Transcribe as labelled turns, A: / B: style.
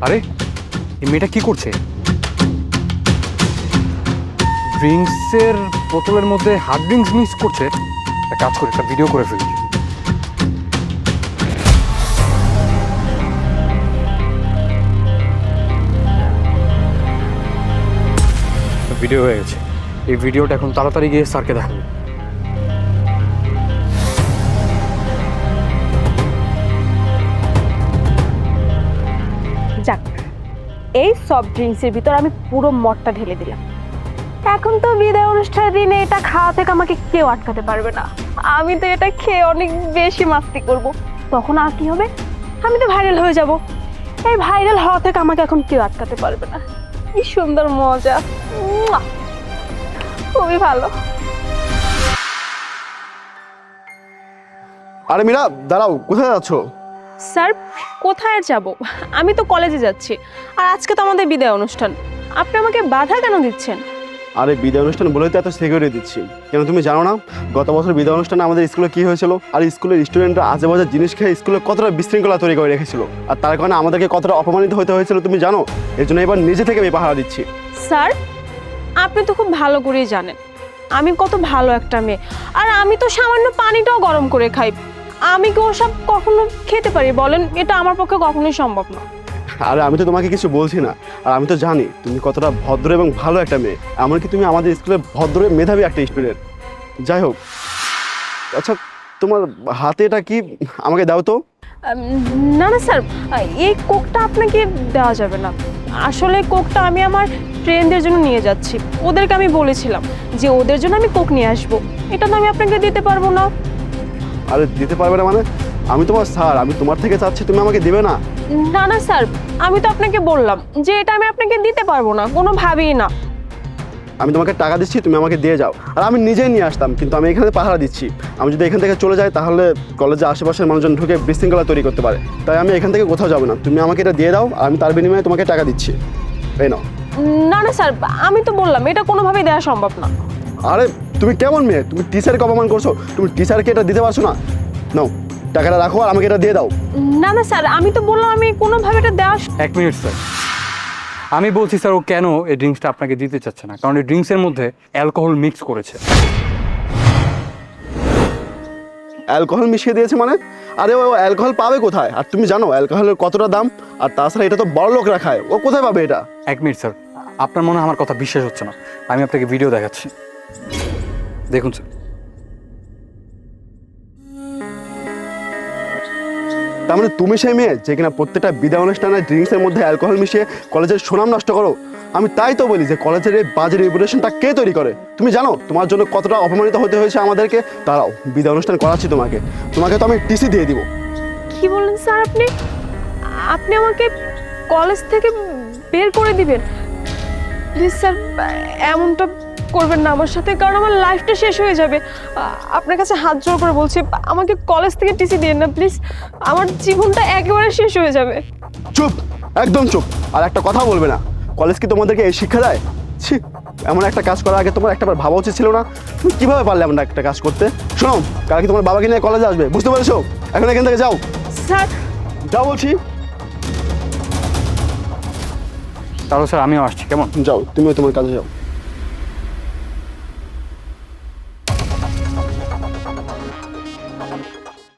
A: আরে এই মেয়েটা কি করছে? ড্রিঙ্কসের বোতলের মধ্যে হার্ড ড্রিঙ্কস মিক্স করছে। একটা কাজ করে একটা ভিডিও করে ফেলি। ভিডিও হয়ে গেছে। এই ভিডিওটা এখন তাড়াতাড়ি গিয়ে স্যারকে দেখাবো।
B: যাক, এই সফট ড্রিঙ্কসের ভিতর আমি পুরো মদটা ঢেলে দিলাম। এখন তো বিদায় অনুষ্ঠানের দিনে এটা খাওয়া থেকে আমাকে কেউ আটকাতে পারবে না। আমি তো এটা খেয়ে অনেক বেশি মাস্তি করব। তখন আর কি হবে, আমি তো ভাইরাল হয়ে যাব। এই ভাইরাল হওয়া থেকে আমাকে এখন কেউ আটকাতে পারবে না। কি সুন্দর মজা, মুয়া! খুবই ভালো।
C: আরে মীরা, দাঁড়াও, কোথায় যাচ্ছ?
B: স্যার, কোথায় যাব? আমি তো কলেজে যাচ্ছি, আর আজকে তো আমাদের বিদায় অনুষ্ঠান। আপনি আমাকে বাধা কেন দিচ্ছেন?
C: আরে বিদায় অনুষ্ঠান বলেই তো এত সিকিউরিটি দিচ্ছি। কেন তুমি জানো না গত বছর বিদায় অনুষ্ঠানে আমাদের স্কুলে কি হয়েছিল? আর স্কুলের স্টুডেন্টরা আজে বাজে জিনিস খেয়ে স্কুলে কতটা বিশৃঙ্খলা তৈরি করে রেখেছিল, আর তার কারণে আমাদেরকে কতটা অপমানিত হতে হয়েছিল তুমি জানো? এর জন্য এবার নিজে থেকে আমি পাহারা দিচ্ছি।
B: স্যার, আপনি তো খুব ভালো করেই জানেন আমি কত ভালো একটা মেয়ে, আর আমি তো সামান্য পানিটাও গরম করে খাই। আমি কি ওসব কখনো খেতে পারি বলেন? এটা আমার পক্ষে কখনোই সম্ভব না।
C: আরে আমি তো তোমাকে কিছু বলছি না, আর আমি তো জানি তুমি কতটা ভদ্র এবং ভালো একটা মেয়ে। এমনকি তুমি আমাদের স্কুলে ভদ্র মেধাবী একটা স্টুডেন্ট। যাই হোক, আচ্ছা তোমার হাতে এটা কি, আমাকে দাও তো।
B: না না স্যার, এই কোকটা আপনাকে দেওয়া যাবে না। আসলে কোকটা আমি আমার ফ্রেন্ডদের জন্য নিয়ে যাচ্ছি। ওদেরকে আমি বলেছিলাম যে ওদের জন্য আমি কোক নিয়ে আসবো। এটা তো আমি আপনাকে দিতে পারবো না।
C: আরে দিতে পারবে না মানে? আমি তোমার স্যার, আমি তোমার থেকে চাচ্ছি, তুমি আমাকে দিবে না?
B: না না স্যার, আমি তো আপনাকে বললাম যে এটা আমি আপনাকে দিতে পারবো না, কোনোভাবেই না।
C: আমি তোমাকে টাকা দিচ্ছি, তুমি আমাকে দিয়ে যাও, আর আমি নিজেই নিয়ে আসতাম, কিন্তু আমি এখানে পাহারা দিচ্ছি। আমি যদি এখান থেকে চলে যাই তাহলে কলেজে আশেপাশের মানুষজন ঢুকে বিশৃঙ্খলা তৈরি করতে পারে। তাই আমি এখান থেকে কোথাও যাবো না। তুমি আমাকে এটা দিয়ে দাও, আর আমি তার বিনিময়ে তোমাকে টাকা দিচ্ছি। এই নাও।
B: না না স্যার, আমি তো বললাম এটা কোনোভাবেই দেওয়া সম্ভব না।
C: আরে তুমি কেমন মেয়ে? তুমি টিচারকে অপমান করছো। তুমি টিচারকে এটা দিতে পারছো না? নাও, টাকাটা রাখো আর আমাকে এটা দিয়ে দাও।
B: না না স্যার, আমি তো বললাম আমি কোনোভাবে এটা দেওয়া
A: এক মিনিট স্যার, আমি বলছি স্যার ও কেন এই ড্রিঙ্কসটা আপনাকে দিতে চাচ্ছে না, কারণ এই ড্রিঙ্কসের মধ্যে অ্যালকোহল মিক্স করেছে।
C: অ্যালকোহল মিশিয়ে দিয়েছে মানে? আরে ও অ্যালকোহল পাবে কোথায়? আর তুমি জানো অ্যালকোহলের কতটা দাম? আর তাছাড়া এটা তো বড় লোকরা খায়, ও কোথায় পাবে এটা?
A: এক মিনিট স্যার, আপনার মনে হয় আমার কথা বিশ্বাস হচ্ছে না। আমি আপনাকে ভিডিও দেখাচ্ছি, দেখুন স্যার।
C: তার মানে তুমি সেই মেয়ে যে কিনা প্রত্যেকটা বিদায় অনুষ্ঠানে ড্রিঙ্কসের মধ্যে অ্যালকোহল মিশিয়ে কলেজের সুনাম নষ্ট করো? আমি তাই তো বলি যে কলেজের এই বাজে রেপুটেশনটা কে তৈরি করে? তুমি জানো তোমার জন্য কতটা অপমানিত হতে হয়েছে আমাদেরকে? দাঁড়াও, বিদায় অনুষ্ঠান করাচ্ছি তোমাকে। তোমাকে তো আমি টিসি দিয়ে দিব।
B: কি বলেন স্যার আপনি? আপনি আমাকে কলেজ থেকে বের করে দিবেন? প্লিজ স্যার, এমনটা করবেন না আমার সাথে, কারণ আমার লাইফটা শেষ হয়ে যাবে। আপনার কাছে হাত জোড় করে বলছি, আমাকে কলেজ থেকে টিসি দিন না প্লিজ। আমার জীবনটা একেবারে শেষ হয়ে যাবে।
C: চুপ, একদম চুপ। আর একটা কথা বলবে না। কলেজ কি তোমাদেরকে এই শিক্ষা দেয়? ছি, এমন একটা কাজ করার আগে তোমার একটাবার ভাবা উচিত ছিল না? তুমি কীভাবে পারলে এমন একটা কাজ করতে? শোনো, কালকে তোমার বাবাকে নিয়ে কলেজে আসবে, বুঝতে পেরেছো? এখন এখান থেকে যাও,
B: স্যার,
C: যাও বলছি।
A: তাহলে স্যার আমিও আসছি, কেমন?
C: যাও, তুমিও তোমার কাজে যাও।